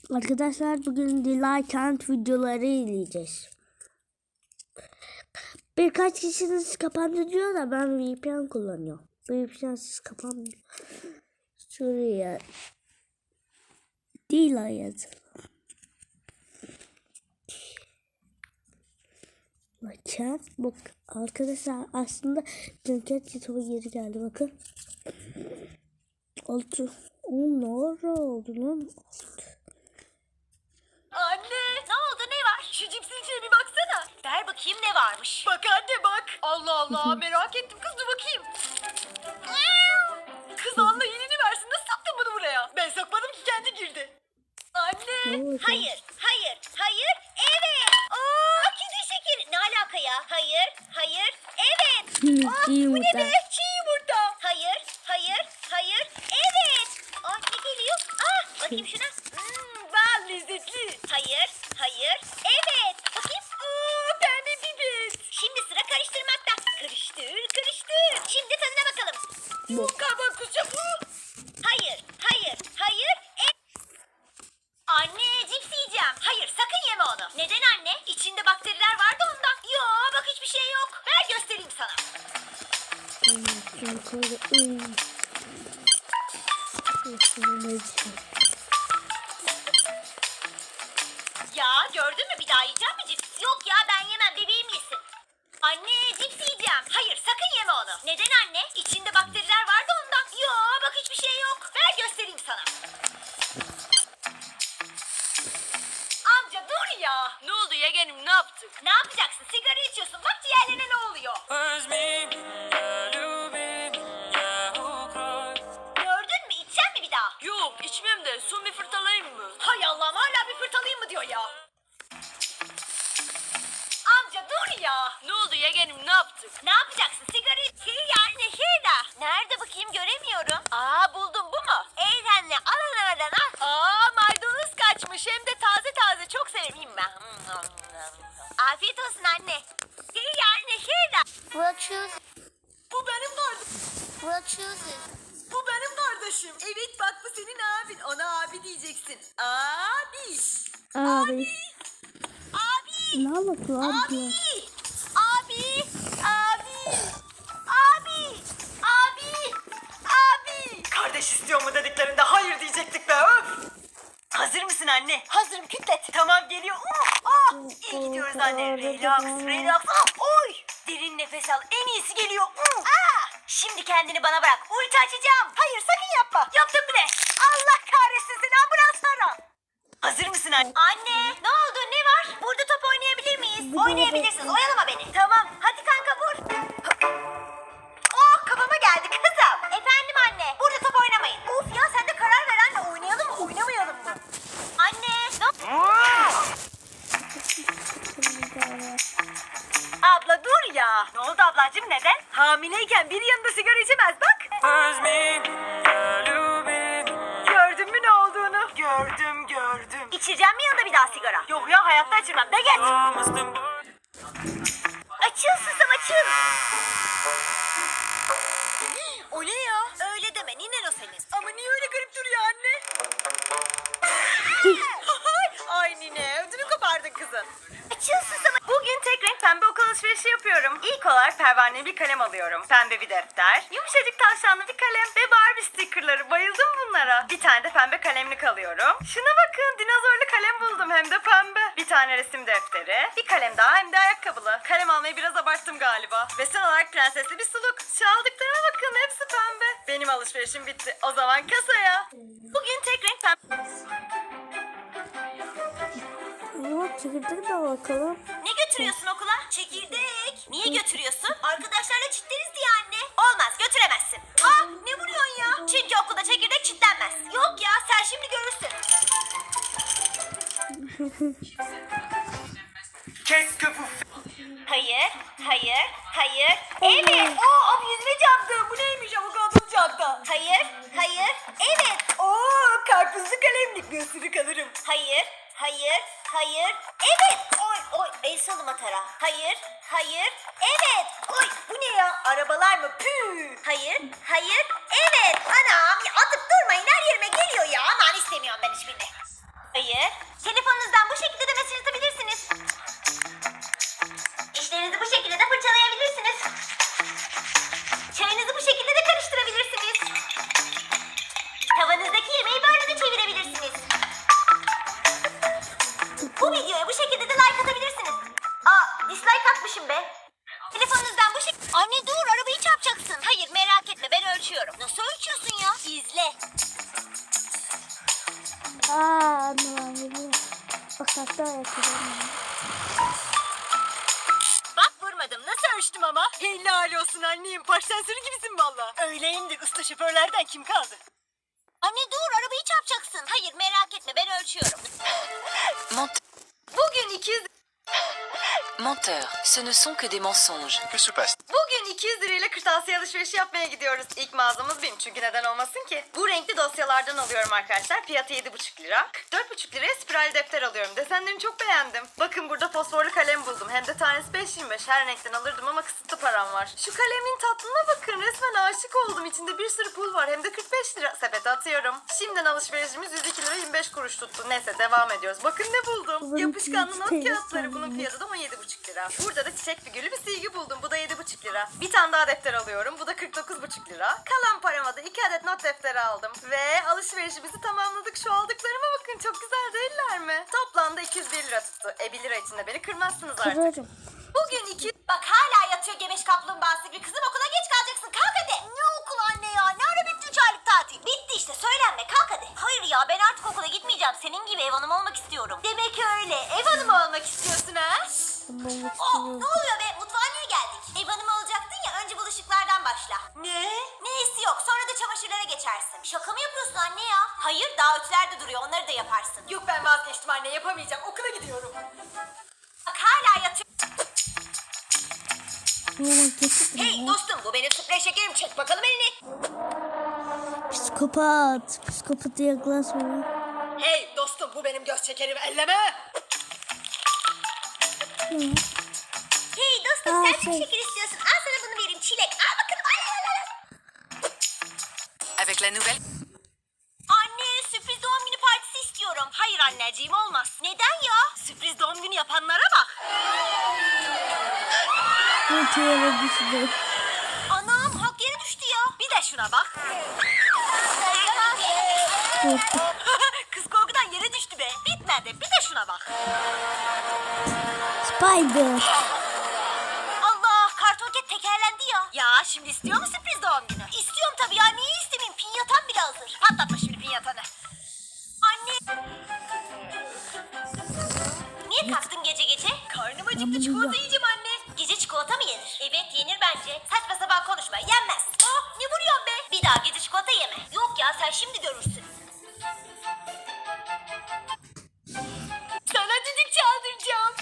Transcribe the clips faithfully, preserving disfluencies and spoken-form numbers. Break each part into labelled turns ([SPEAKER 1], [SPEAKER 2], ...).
[SPEAKER 1] Arkadaşlar bugün Dilay Kent videoları izleyeceğiz. Birkaç kişiniz kapandı diyor da ben V P N kullanıyorum. V P N'siz kapanmıyor. Şuraya Dilay yazalım. Bakın bak arkadaşlar aslında Dünket YouTube'a geri geldi bakın. Oldu. O ne oldu lan?
[SPEAKER 2] Anne ne oldu ne var? Şu cipsin içine bir baksana. Ver bakayım ne varmış. Bak anne bak. Allah Allah merak ettim kız dur bakayım. Kız Allah iyiliğini versin nasıl soktun bunu buraya? Ben sokmadım ki kendi girdi. Anne.
[SPEAKER 3] Hayır, hayır, hayır, evet. Aa, kedi şekeri. Ne alaka ya? Hayır, hayır, evet. Aa, bu ne be? Çiğ yumurta. Hayır, hayır, hayır, evet. Aa, ne geliyor? Aa, bakayım şuna.
[SPEAKER 2] Hmm, bal lezzetli.
[SPEAKER 3] Hayır, hayır, evet. Bakayım.
[SPEAKER 2] Aa, pembe pipet.
[SPEAKER 3] Şimdi sıra karıştırmakta. Karıştır, karıştır. Şimdi tadına bakalım.
[SPEAKER 2] Bu kabak kusacak.
[SPEAKER 3] Hayır, hayır, hayır, evet. Anne, cips yiyeceğim. Hayır, sakın yeme onu. Neden anne? İçinde bakteriler vardı ondan. Yo, bak hiçbir şey yok. Ver göstereyim sana. Ya gördün mü bir daha yiyeceğim mi cips? Yok ya ben yemem bebeğim yesin. Anne cips yiyeceğim. Hayır sakın yeme onu. Neden anne? İçinde bakteriler vardı ondan. Yo bak hiçbir şey yok. Ver göstereyim sana.
[SPEAKER 2] Amca dur ya. Ne oldu yeğenim ne yaptık?
[SPEAKER 3] Ne yapacaksın? Sigara içiyorsun. Bak diğerlerine ne oluyor? Gördün mü? İçecek mi bir daha?
[SPEAKER 2] Yok içmem de son bir fırtalayayım mı?
[SPEAKER 3] Hay Allah'ım hala bir fırtalayayım mı diyor ya. Amca dur ya.
[SPEAKER 2] Ne oldu yeğenim ne yaptık?
[SPEAKER 3] Ne yapacaksın? Sigara iç. Şey yani şurada. Nerede bakayım göremiyorum. Aa buldum bu mu? Eğlenle al oradan al.
[SPEAKER 2] Aa maydanoz kaçmış hem de taze taze çok severim ben.
[SPEAKER 3] Afiyet olsun anne. Şey yani şurada.
[SPEAKER 4] We'll choose.
[SPEAKER 2] Bu benim kardeşim.
[SPEAKER 4] We'll choose it.
[SPEAKER 2] Bu benim kardeşim. Evet bak bu senin abin. Ona abi diyeceksin. Abi.
[SPEAKER 1] Abi.
[SPEAKER 3] Abi.
[SPEAKER 1] Ne anlatıyor abi?
[SPEAKER 3] Abi. Abi. Abi. Abi. Abi. Abi.
[SPEAKER 2] Kardeş istiyor mu dediklerinde hayır diyecektik be öf. Hazır mısın anne?
[SPEAKER 3] Hazırım kütlet.
[SPEAKER 2] Tamam geliyor. Uh, ah, iyi gidiyoruz anne. Relax, relax. Ah, oy. Derin nefes al. En iyisi geliyor. Uh.
[SPEAKER 3] Aa, şimdi kendini bana bırak. Ulti açacağım. Hayır sakın yapma. Yaptım bile. Allah kahretsin seni ambulans ara.
[SPEAKER 2] Hazır mısın anne?
[SPEAKER 3] Anne ne oldu ne var? Burada top oynayabilir miyiz? Oynayabilirsiniz oyalama beni. Tamam hadi kanka vur. Oh kafama geldi kızım. Efendim anne burada top oynamayın. Of ya sen de karar ver anne oynayalım mı oynamayalım mı? Anne ne?
[SPEAKER 2] Abla dur ya. Ne oldu ablacığım neden? Hamileyken bir yanında sigara içemez bak. Gördün mü ne olduğunu? Gördüm gördüm.
[SPEAKER 3] İçireceğim mi yanında bir daha sigara?
[SPEAKER 2] Yok ya hayatta içirmem. De geç.
[SPEAKER 3] Açıl susam açıl.
[SPEAKER 2] O ne ya?
[SPEAKER 3] Öyle deme ninen o senin.
[SPEAKER 2] Ama niye öyle garip duruyor anne? Ay nine ödünü kopardın kızın.
[SPEAKER 3] Açıl susam.
[SPEAKER 2] Bugün tek renk pembe okul alışverişi yapıyorum. İlk olarak pervaneli bir kalem alıyorum. Pembe bir defter, yumuşacık tavşanlı bir kalem ve Barbie stickerları. Bayıldım bunlara. Bir tane de pembe kalemlik alıyorum. Şuna bakın dinozorlu kalem buldum hem de pembe. Bir tane resim defteri, bir kalem daha hem de ayakkabılı. Kalem almayı biraz abarttım galiba. Ve son olarak prensesli bir suluk. Şu aldıklarıma bakın hepsi pembe. Benim alışverişim bitti. O zaman kasaya. Bugün tek renk pembe.
[SPEAKER 1] Ama çekirdek de bakalım.
[SPEAKER 3] Ne götürüyorsun okula? Çekirdek. Niye götürüyorsun? Arkadaşlarla çitleriz diye anne. Olmaz götüremezsin. Aa ne vuruyorsun ya? Çünkü okulda çekirdek çitlenmez. Yok ya sen şimdi görürsün.
[SPEAKER 2] Kes köpü.
[SPEAKER 3] Hayır, hayır, hayır. Evet.
[SPEAKER 2] Aa abi yüzüne çarptı. Bu neymiş avokadolu çarptı.
[SPEAKER 3] Hayır, hayır, evet.
[SPEAKER 2] Oo karpuzlu kalemlik bir ısırık alırım.
[SPEAKER 3] Hayır, hayır, hayır, evet. Oy, oy, el salım atara. Hayır, hayır, evet. Oy, bu ne ya? Arabalar mı? Püh. Hayır, hayır, evet. Anam, ya atıp durmayın her yerime geliyor ya. Aman istemiyorum ben hiçbirini. Hayır, şekilde de like atabilirsiniz. Aa, dislike atmışım be. Telefonunuzdan bu şekilde... Anne dur, arabayı çarpacaksın. Hayır, merak etme, ben ölçüyorum. Nasıl ölçüyorsun ya? İzle.
[SPEAKER 1] Aa anlamadım. Bak hatta yapıyorum.
[SPEAKER 2] Bak vurmadım. Nasıl ölçtüm ama? Helal olsun annem. Parsensörü gibisin valla. Öyleyimdir. Usta şoförlerden kim kaldı?
[SPEAKER 3] Anne dur, arabayı çarpacaksın. Hayır, merak etme, ben ölçüyorum.
[SPEAKER 5] Ment-
[SPEAKER 2] Bugün iki yüz...
[SPEAKER 5] Menteur, ce ne sont que des mensonges.
[SPEAKER 6] Que se passe?
[SPEAKER 2] Bugün iki yüz lirayla kırtasiye alışverişi yapmaya gidiyoruz. İlk mağazamız benim çünkü neden olmasın ki? Bu renkli dosyalardan alıyorum arkadaşlar. Fiyatı yedi buçuk lira. kırk dört buçuk liraya spiral defter alıyorum. Desenlerini çok beğendim. Bakın burada fosforlu kalem buldum. Hem de tanesi beş yirmi beş. Her renkten alırdım ama kısıtlı param var. Şu kalemin tatlına bakın. Resmen aşık oldum. İçinde bir sürü pul var. Hem de kırk beş lira. Sepete atıyorum. Şimdiden alışverişimiz yüz iki lira yirmi beş kuruş tuttu. Neyse devam ediyoruz. Bakın ne buldum.
[SPEAKER 1] Bunun
[SPEAKER 2] Yapışkanlı not
[SPEAKER 1] fiyatı
[SPEAKER 2] kağıtları. Bunun
[SPEAKER 1] sanırım.
[SPEAKER 2] fiyatı da on yedi buçuk lira. Burada da çiçek figürlü bir silgi buldum. Bu da yedi buçuk lira. Bir tane daha defter alıyorum. Bu da kırk dokuz buçuk lira. Kalan parama da iki adet not defteri aldım. Ve alışverişimizi tamamladık. Şu aldıklarıma bakın. Çok güzel değiller mi? Toplamda iki yüz bir lira tuttu. E bir lira içinde beni kırmazsınız artık.
[SPEAKER 1] Kırarım.
[SPEAKER 2] Bugün iki...
[SPEAKER 3] Bak hala yatıyor gebeş kaplumbağası gibi. Kızım okula geç kalacaksın. Kalk hadi. Ne okul anne ya? Ne ara bitti üç aylık tatil? Bitti işte, söylenme. Kalk hadi. Hayır ya, ben artık okula gitmeyeceğim. Senin gibi ev hanımı olmak istiyorum. Demek öyle. Ev hanımı olmak istiyorsun ha?
[SPEAKER 1] Ben
[SPEAKER 3] Oh, ne oluyor be? Mutfağa niye geldik? Ev hanımı olacaktın ya, önce bulaşıklardan başla.
[SPEAKER 2] Ne?
[SPEAKER 3] Neyesi yok, sonra da çamaşırlara geçersin. Şaka mı yapıyorsun anne ya? Hayır, daha öteler de duruyor, onları da yaparsın.
[SPEAKER 2] Yok ben vazgeçtim anne. Yapamayacağım. Okula gidiyorum.
[SPEAKER 3] Bak hala yatıyor.
[SPEAKER 1] Ama kesin.
[SPEAKER 3] Hey dostum, bu benim sprey şekerim. Çek bakalım elini.
[SPEAKER 1] Psikopat. Psikopata yaklaşma.
[SPEAKER 2] Hey dostum bu benim göz çekerimi elleme.
[SPEAKER 3] Hey dostum,
[SPEAKER 1] Aa,
[SPEAKER 3] sen çok
[SPEAKER 1] şey.
[SPEAKER 3] şeker istiyorsun. Al sana bunu vereyim, çilek. Al bakalım. Al, al, al, al.
[SPEAKER 5] Avec la nouvelle...
[SPEAKER 3] Anne, sürpriz doğum günü partisi istiyorum.
[SPEAKER 2] Hayır anneciğim olmaz.
[SPEAKER 3] Neden ya?
[SPEAKER 2] Sürpriz doğum günü yapanlara bak.
[SPEAKER 1] Bu tiyere düştü.
[SPEAKER 3] Anam, hak yere düştü ya.
[SPEAKER 2] Bir de şuna bak. Kız korkudan yere düştü be. Bitmedi. Bir de şuna bak.
[SPEAKER 1] Spider.
[SPEAKER 3] Allah, kartonket tekerlendi ya.
[SPEAKER 2] Ya şimdi istiyor mu sürpriz doğum günü?
[SPEAKER 3] İstiyorum tabii ya, niye istemeyeyim? Pinyatam bile hazır.
[SPEAKER 2] Patlatma şimdi pinyatanı.
[SPEAKER 3] Anne. Niye kalktın gece gece?
[SPEAKER 2] Karnım acıktı çikolata yiyeceğim anne.
[SPEAKER 3] Gece çikolata mı yenir? Evet, yenir bence. Saçma sapan konuşma, yenmez. Oh, ne vuruyorsun be? Bir daha gece çikolata yeme. Yok ya, sen şimdi görürsün.
[SPEAKER 2] Sana düdük çaldıracağım.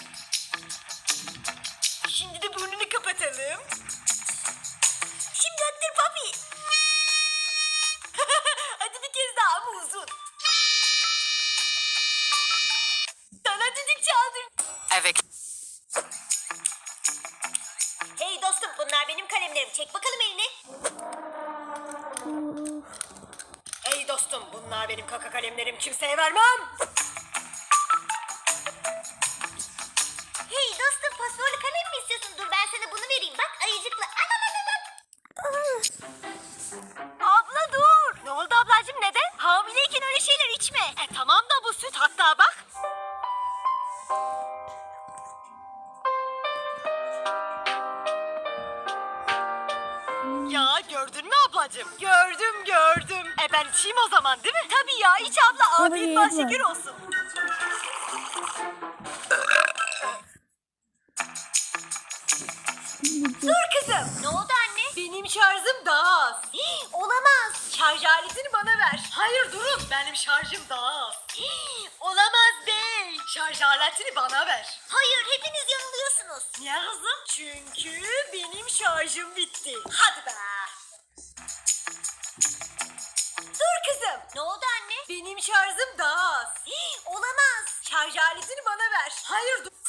[SPEAKER 2] Şimdi de burnunu kapatalım.
[SPEAKER 3] Şimdi öttür papi.
[SPEAKER 2] Hadi bir kez daha ama uzun. Sana düdük çaldır.
[SPEAKER 5] Avec...
[SPEAKER 3] Hey dostum, bunlar benim kalemlerim. Çek bakalım elini.
[SPEAKER 2] Hey dostum bunlar benim kaka kalemlerim, kimseye vermem.
[SPEAKER 3] Hey dostum, fosforlu kalem mi istiyorsun? Dur ben sana bunu vereyim. Bak, ayıcıklı. Al al al al.
[SPEAKER 2] Abla dur. Ne oldu ablacığım, neden? Hamileyken öyle şeyler içme. E tamam da bu süt, hatta bak. Ya gördün mü ablacığım? Gördüm gördüm. E ben içeyim o zaman değil mi? Tabii ya, iç abla,
[SPEAKER 1] Tabii,
[SPEAKER 2] afiyet bal
[SPEAKER 1] yapma.
[SPEAKER 2] şeker olsun. Dur kızım.
[SPEAKER 3] Ne oldu anne?
[SPEAKER 2] Benim şarjım daha az.
[SPEAKER 3] Hii, olamaz.
[SPEAKER 2] Şarj aletini bana ver. Hayır durun, benim şarjım daha az.
[SPEAKER 3] Hii,
[SPEAKER 2] Olamaz bey. Şarj aletini bana ver.
[SPEAKER 3] hayır, hepiniz yanılıyorsunuz.
[SPEAKER 2] Niye kızım? Çünkü benim şarjım bitti.
[SPEAKER 3] Hadi be.
[SPEAKER 2] Dur kızım.
[SPEAKER 3] Ne oldu anne?
[SPEAKER 2] Benim şarjım daha az.
[SPEAKER 3] Hii, olamaz.
[SPEAKER 2] Şarj aletini bana ver. Hayır dur.